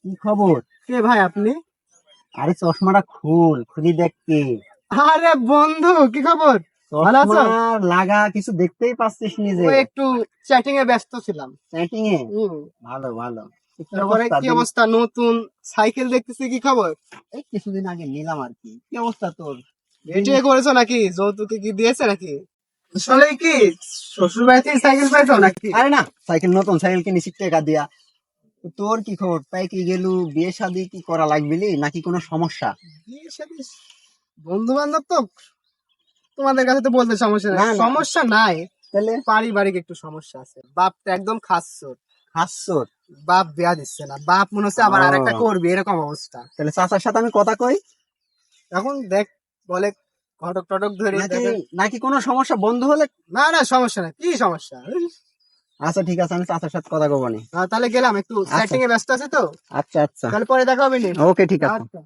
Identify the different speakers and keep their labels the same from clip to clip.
Speaker 1: কি খবর?
Speaker 2: কে ভাই আপনি?
Speaker 1: আরে চশমাটা খুল, খুলি দেখ কে।
Speaker 2: আরে বন্ধু, কি খবর? ভালো
Speaker 1: চশমা
Speaker 2: আছো?
Speaker 1: লাগা, কিছু দেখতেই পাচ্ছিস নিজে।
Speaker 2: ওই একটু চ্যাটিং এ ব্যস্ত ছিলাম।
Speaker 1: চ্যাটিং এ?
Speaker 2: হুম।
Speaker 1: ভালো ভালো। কি
Speaker 2: তারপরে
Speaker 1: অবস্থা
Speaker 2: কি
Speaker 1: দিন?
Speaker 2: অবস্থা? নতুন সাইকেল দেখতেছি, কি খবর?
Speaker 1: এই কিছুদিন আগে নিলাম আর কি। কি অবস্থা তোর? দিন।
Speaker 2: বিয়ে করেছো নাকি? যৌতুকে কি দিয়েছে নাকি? আসলে কি শ্বশুর বাড়ি থেকে সাইকেল পাইছো নাকি?
Speaker 1: আরে না, সাইকেল নতুন সাইকেল কিনেছি টাকা দিয়া। তো তোর কি খবর? তাই কি গেলু, বিয়ে শাদী কি করা লাগবিলি নাকি কোনো সমস্যা?
Speaker 2: বিয়ে শাদী, বন্ধু বান্ধব তো, তোমাদের কাছে তো বলতে সমস্যা নাই,
Speaker 1: না না,
Speaker 2: সমস্যা নাই।
Speaker 1: তাহলে
Speaker 2: পারিবারিক একটু সমস্যা আছে, বাপটা একদম খাচ্ছর।
Speaker 1: হাসছোর?
Speaker 2: বাপ বিয়া দিচ্ছে না, বাপ মনে হচ্ছে আবার আরেকটা
Speaker 1: ও,
Speaker 2: করবে, এরকম অবস্থা।
Speaker 1: তাহলে চাচার সাথে আমি কথা কই।
Speaker 2: এখন দেখ, বলে ঘটক টটক ধরে
Speaker 1: নাকি
Speaker 2: দেখে।
Speaker 1: নাকি কোনো সমস্যা বন্ধু হলে?
Speaker 2: না না, সমস্যা নাই, কি সমস্যা?
Speaker 1: আচ্ছা ঠিক আছে, আমি চাচার সাথে কথা কব নি।
Speaker 2: তাহলে গেলাম, একটু
Speaker 1: আচ্ছা
Speaker 2: সেটিং এ ব্যস্ত আছে তো।
Speaker 1: আচ্ছা আচ্ছা,
Speaker 2: তাহলে পরে দেখা হবে নি।
Speaker 1: ওকে ঠিক আছে।
Speaker 2: আচ্ছা।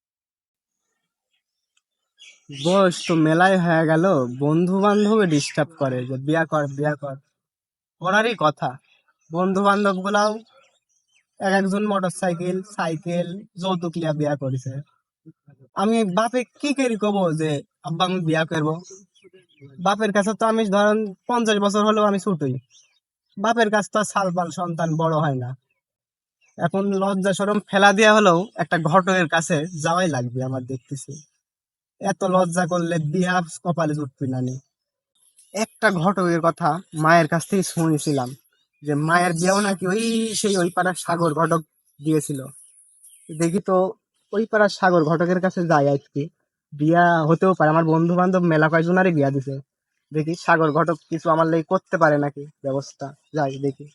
Speaker 2: বস তো মেলায় হয়ে গেল, বন্ধু বান্ধব ডিস্টার্ব করে যে বিয়া কর বিয়া কর, করারই কথা। বন্ধু বান্ধব গুলাও এক একজন মোটর সাইকেল সাইকেল যৌতুক লিয়া বিয়া করেছে। আমি বাপে কি করি কব যে আব্বা আমি বিয়া করবো? বাপের কাছে তো আমি ধরেন 50 বছর হলেও আমি ছুটই, বাপের কাছে তো আর সালপাল সন্তান বড় হয় না। এখন লজ্জা শরম ফেলা দিয়া হলেও একটা ঘটকের কাছে যাওয়াই লাগবে আমার, দেখতেছি এত লজ্জা করলে বিয়া কপালে জুটবি না নি। একটা ঘটকের কথা মায়ের কাছ থেকে শুনেছিলাম, যে মায়ের বিয়াও নাকি ওই সেই ওই পাড়ার সাগর ঘটক দিয়েছিল। দেখি তো, ওই পাড়ার সাগর ঘটকের কাছে যাই আজকে, বিয়া হতেও পারে। আমার বন্ধু বান্ধব মেলা কয়জনারই বিয়া দিছে, দেখি সাগর ঘটক কিছু আমার লাগি করতে পারে নাকি ব্যবস্থা। যাই দেখি,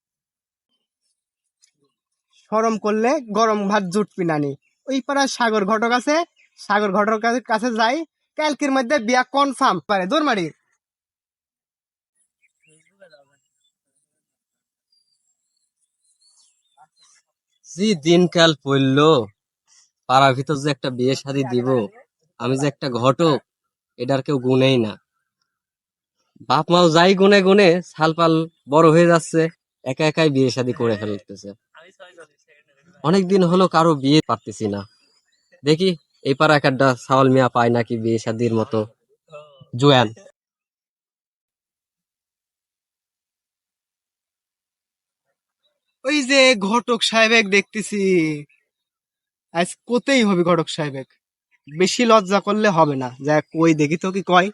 Speaker 2: শরম করলে গরম ভাত জুটবি নানি। ওই পাড়ার সাগর ঘটক আছে, সাগর ঘটকের কাছে যাই, কালকের মধ্যে বিয়া কনফার্ম পারে দৌড়মারি।
Speaker 3: জি দিনকাল পড়লো, পাড়ার ভিতর যে একটা বিয়ে শাদী দিব, আমি যে একটা ঘটক, এটার কেউ গুনেই না। বাপ মাও যাই গুনে গুনে সালপাল বড় হয়ে যাচ্ছে, একা একাই বিয়ে শাদী করে ফেলতেছে। অনেকদিন হলো কারো বিয়ে পারতেছি না। দেখি এই পাড়া একটা সাওয়াল মিয়া পায় নাকি বিয়ে শাদীর মতো জোয়ান।
Speaker 2: ওই যে ঘটক সাহেব দেখতেছি, আজ কোতেই হবে ঘটক সাহেব, বেশি লজ্জা করলে হবে না। যাক কই দেখি তো কি কয়।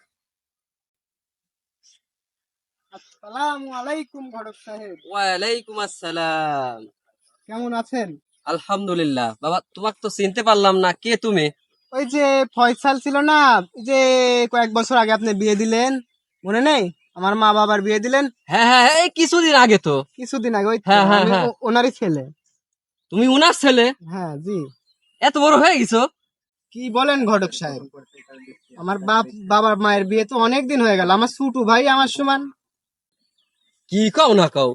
Speaker 2: আসসালামু আলাইকুম ঘটক সাহেব,
Speaker 3: ওয়ালাইকুম আসসালাম।
Speaker 2: কেমন আছেন?
Speaker 3: আলহামদুলিল্লাহ। বাবা তোমাকে তো চিনতে পারলাম না, কে তুমি?
Speaker 2: ওই যে ফয়সাল ছিল না, ওই যে কয়েক বছর আগে আপনি বিয়ে দিলেন, মনে নেই? আমার মা বাবার বিয়ে দিলেন
Speaker 3: হ্যাঁ হ্যাঁ হ্যাঁ, এই কিছুদিন আগে তো।
Speaker 2: কিছুদিন আগে, ওই তো
Speaker 3: হ্যাঁ হ্যাঁ
Speaker 2: আমি
Speaker 3: হ্যাঁ,
Speaker 2: ওনারই ছেলে।
Speaker 3: তুমি উনার ছেলে?
Speaker 2: হ্যাঁ জি।
Speaker 3: এত বড় হয়ে গেছো?
Speaker 2: কি বলেন ঘটক সাহেব, আমার বাবার মায়ের বিয়ে তো অনেক দিন হয়ে গেল, আমার ছোট ভাই আমার সমান।
Speaker 3: কি কও না কও,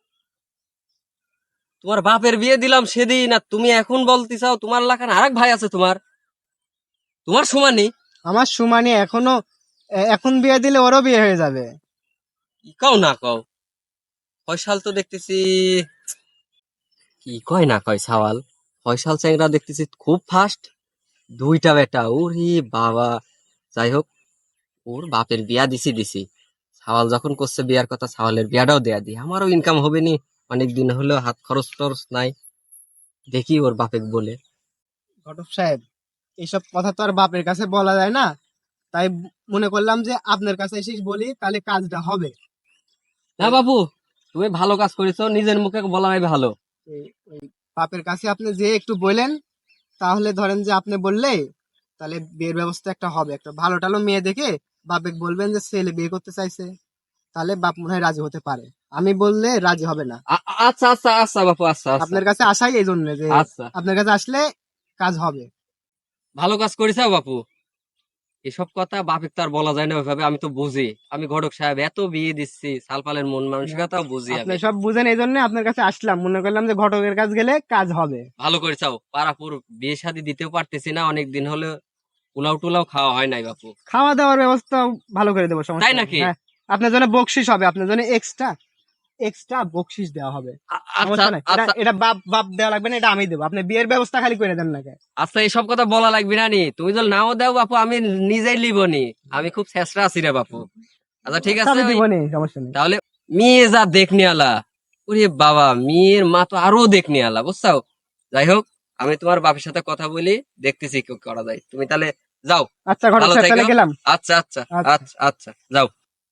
Speaker 3: তোমার বাপের বিয়ে দিলাম সেদিন আর তুমি এখন বলতে চাও তোমার লাখান আরেক ভাই আছে তোমার, তোমার সমানই?
Speaker 2: আমার সমানে এখনো, এখন বিয়ে দিলে ওরও বিয়ে হয়ে যাবে।
Speaker 3: কি কও না কও, ফয়সাল তো দেখতেছি, কি কয় না কয় সাওয়াল, ফয়সাল চ্যাংরা দেখতেছি খুব ফাস্ট, দুইটা বেটা, ওরে বাবা। যাই হোক, ওর বাপের বিয়া দিছি দিছি, সাওয়াল যখন করছে বিয়ার কথা, সাওয়ালের বিয়াটাও দেয়া দি, আমারও ইনকাম হবে নি। অনেক দিন হলো হাত খরচ টরচ নাই, দেখি ওর বাপেক বলে।
Speaker 2: ঘটক সাহেব, এইসব কথা তো আর বাপের কাছে বলা যায় না, তাই মনে করলাম যে আপনার কাছে এসে বলি, তাহলে কাজটা হবে।
Speaker 3: না বাবু, তুমি ভালো কাজ করেছো, নিজের মুখে বলাই ভালো।
Speaker 2: ওই বাপের কাছে আপনি যে একটু বলেন, তাহলে ধরেন যে আপনি বললে, তাহলে বিয়ের ব্যবস্থা একটা হবে, একটা ভালো টালো মেয়ে দেখে বাপে বলবেন যে ছেলে বিয়ে করতে চাইছে, তাহলে বাপ মনে হয় রাজি হতে পারে। আমি বললে রাজি হবে না।
Speaker 3: আচ্ছা আচ্ছা আচ্ছা বাপু, আচ্ছা আচ্ছা
Speaker 2: আপনার কাছে আসাই এই জন্য যে
Speaker 3: আচ্ছা,
Speaker 2: আপনার কাছে আসলে কাজ হবে।
Speaker 3: ভালো কাজ করেছো বাপু। এসব কথা বাপের তো আর বলা যায় না ওইভাবে, আমি তো বুঝি, আমি ঘটক সাহেব এত বিয়ে দিচ্ছি, সালপালের মন মানসিকতাও বুঝি
Speaker 2: আপনি
Speaker 3: আমি।
Speaker 2: সব বুঝেন, এই জন্য আপনার কাছে আসলাম, মনে করলাম যে ঘটকের কাছে গেলে কাজ হবে।
Speaker 3: ভালো করেছাও, পাড়াপুর বিয়ে শাদী দিতেও পারতেছি না, অনেক দিন হলো পোলাও টুলাও খাওয়া হয় নাই বাপু।
Speaker 2: খাওয়া দাওয়ার ব্যবস্থা ভালো করে দেবো,
Speaker 3: তাই
Speaker 2: সমস্যা নেই।
Speaker 3: নাকি?
Speaker 2: হ্যাঁ, আপনার জন্য বকশিস হবে, আপনার জন্য এক্সট্রা। এক্সট্রা বকশিস দেওয়া হবে।
Speaker 3: আচ্ছা
Speaker 2: সমস্যা নাই, এটা
Speaker 3: আচ্ছা
Speaker 2: এটা বাপ বাপ দেওয়া লাগবে না, এটা আমি দেবো। আপনি বিয়ের ব্যবস্থা খালি করে দেন না কে?
Speaker 3: আচ্ছা, এসব কথা বলা লাগবে না নি, তুমি যদি নাও দাও বাপু আমি নিজেই লিবনি, আমি খুব চেষ্টা আছি রে বাপু। আচ্ছা ঠিক আছে,
Speaker 2: আমি দিব নি, সমস্যা নেই।
Speaker 3: তাহলে মেয়ে যা দেখনি আলা, ওরে বাবা মেয়ের মা তো আরো দেখনি আলা, বুঝছো? যাই হোক, আমি তোমার বাপের সাথে কথা বলি, দেখতেছি কি করা যায়। তুমি তাহলে যাও,
Speaker 2: আচ্ছা ঘটক
Speaker 3: ভালো
Speaker 2: সাহেব,
Speaker 3: থেকো।
Speaker 2: তাহলে গেলাম।
Speaker 3: আচ্ছা আচ্ছা
Speaker 2: আচ্ছা।
Speaker 3: আচ্ছা আচ্ছা, যাও।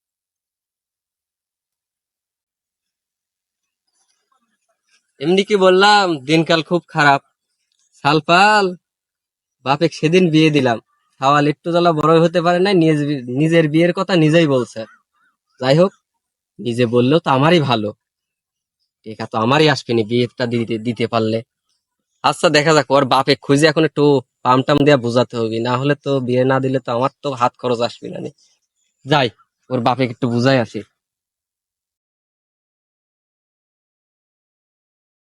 Speaker 3: এমনি কি বললাম, দিনকাল খুব খারাপ। সালপাল বাপে সেদিন বিয়ে দিলাম, সাওয়াল একটু জ্বালা বড় হতে পারে না, নিজের বিয়ের কথা নিজেই বলছে। যাই হোক, নিজে বললেও তো আমারই ভালো, টেকা তো আমারই আসবেনি বিয়েটা দিতে দিতে পারলে। আচ্ছা দেখা যাক, ওর বাপে খুঁজে এখন একটু পাম টাম দিয়া বোঝাতে হবে, না হলে তো বিয়ে না দিলে তো আমার তো হাত খরচ আসবে না নি। যাই, ওর বাপে একটু বুঝাই আসি।